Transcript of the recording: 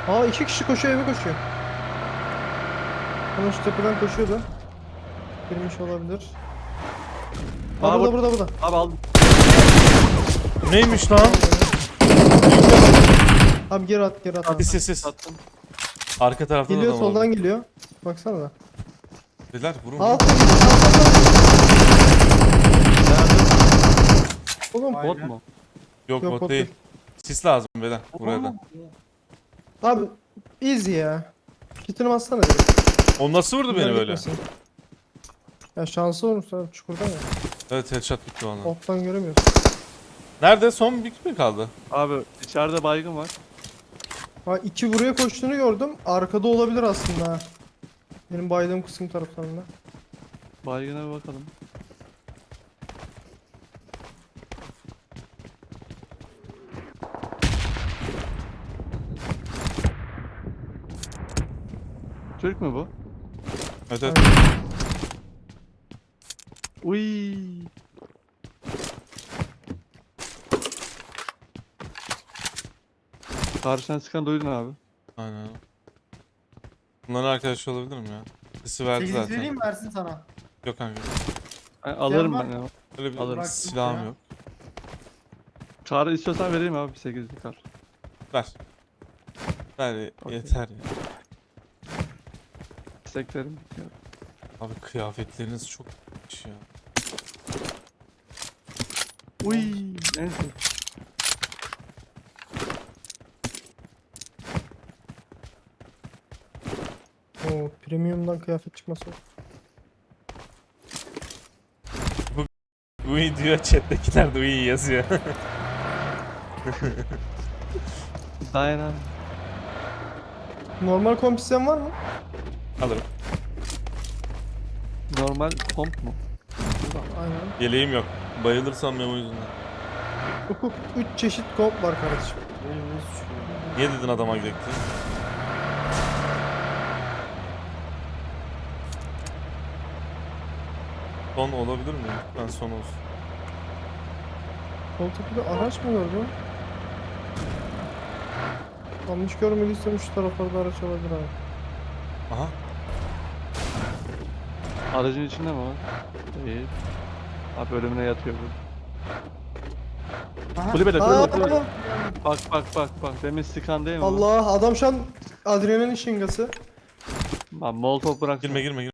Aa, iki kişi koşuyor, eve koşuyor. Ama şu tepeden koşuyordu. Girmiş olabilir. Aa, burada. Abi aldım. Neymiş lan? Abi geri at abi. Sis. Sattım. Arka tarafta da Geliyor, adam var. soldan geliyor. Baksana da. Beyler vurun. Aa, vurun. oğlum. Bot mu? Yok Yok, bot bot değil. değil. Sis lazım beyler buraya da. Abi easy ya. Kitini bassana direkt. O nasıl vurdu beni Bunlar böyle? gitmesin. Ya şansı olmuş abi, çukurdan ya. Evet headshot bitti valla. Alttan göremiyorsun. Nerede? Son bir mi kaldı? Abi içeride baygın var. Ha, iki buraya koştuğunu gördüm. Arkada olabilir aslında ha. Benim baydığım kısım taraflarında. Baygına bir bakalım. Türk mü bu? Evet evet. Uy. Karşıdan sıkan duydun abi. Aynen. Bunların arkadaşı olabilir mi ya? Sisi verdi 8 zaten. vereyim mi, versin sana? Yok kanka. Alırım var ben ya. Öyle bir Alırım. silahım Ya. yok. Karı istiyorsan vereyim abi 8'lik kar. Ver. Ver Okey. yeter ya. İsteklerim bitiyor. Abi kıyafetleriniz çok iyiymiş ya. Uy. Neyse. Oo, premiumdan kıyafet çıkması. Uy diyor chat'tekiler de uy yazıyor. Dayan abi. Normal kompisyen var mı? Alırım. Normal komp mu? Aynen. Yeleğim yok. Bayılırsam memo yüzünden. 3 çeşit komp var kardeşim. Benim nasıl çıkıyor? Niye dedin adama gidelim diye? Son olabilir mi? Ben son olsun. Sol tepede araç mı gördüm? Yanlış görmediysem şu taraflarda araç olabilir abi. Aha. Aracın içinde mi var? Değil. Abi ölümüne yatıyor bu. Aha. Kulübede Aa, kulübede. tamam. Bak. Demin sıkan değil mi bu? Allah, adam şu an adrenalin şingası. Abi molotof bırak. Girme.